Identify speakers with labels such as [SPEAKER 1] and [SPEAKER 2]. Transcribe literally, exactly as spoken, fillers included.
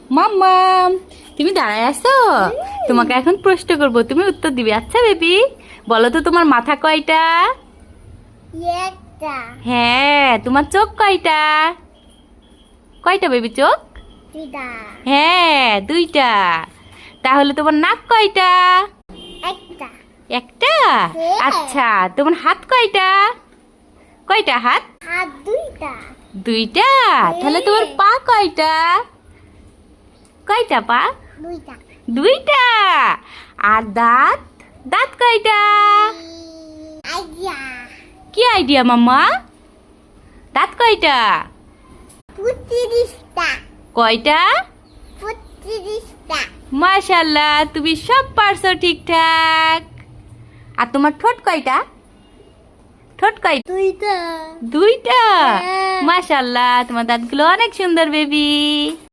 [SPEAKER 1] মাম্মাম তুমি দাঁড়ায় আছো? তোমাকে এখন প্রশ্ন করব, তুমি উত্তর দিবে। আচ্ছা বেবি, বলো তো তোমার মাথা কয়টা?
[SPEAKER 2] একটা।
[SPEAKER 1] হ্যাঁ। তোমার চোখ কয়টা? কয়টা বেবি চোখ?
[SPEAKER 2] দুইটা।
[SPEAKER 1] হ্যাঁ, দুইটা। তাহলে তোমার নাক কয়টা?
[SPEAKER 2] একটা।
[SPEAKER 1] একটা।
[SPEAKER 2] হ্যাঁ।
[SPEAKER 1] আচ্ছা, তোমার হাত কয়টা? কয়টা হাত?
[SPEAKER 2] হাত দুইটা।
[SPEAKER 1] দুইটা। তাহলে তোমার পা কয়টা? কয়টা পা?
[SPEAKER 2] দুইটা।
[SPEAKER 1] দুইটা। আর দাঁত? দাঁত কয়টা?
[SPEAKER 2] আইয়া।
[SPEAKER 1] কি আইডিয়া মাম্মা? দাঁত কয়টা?
[SPEAKER 2] পঁচিশটা।
[SPEAKER 1] কয়টা?
[SPEAKER 2] পঁচিশটা।
[SPEAKER 1] মাশাআল্লাহ, তুমি সব পারছো ঠিকঠাক। আর তোমার ঠোঁট কয়টা? ঠোঁট কয়টা?
[SPEAKER 2] দুইটা।
[SPEAKER 1] দুইটা।
[SPEAKER 2] হ্যাঁ।
[SPEAKER 1] মাশাআল্লাহ, তোমার দাঁতগুলো অনেক সুন্দর বেবি।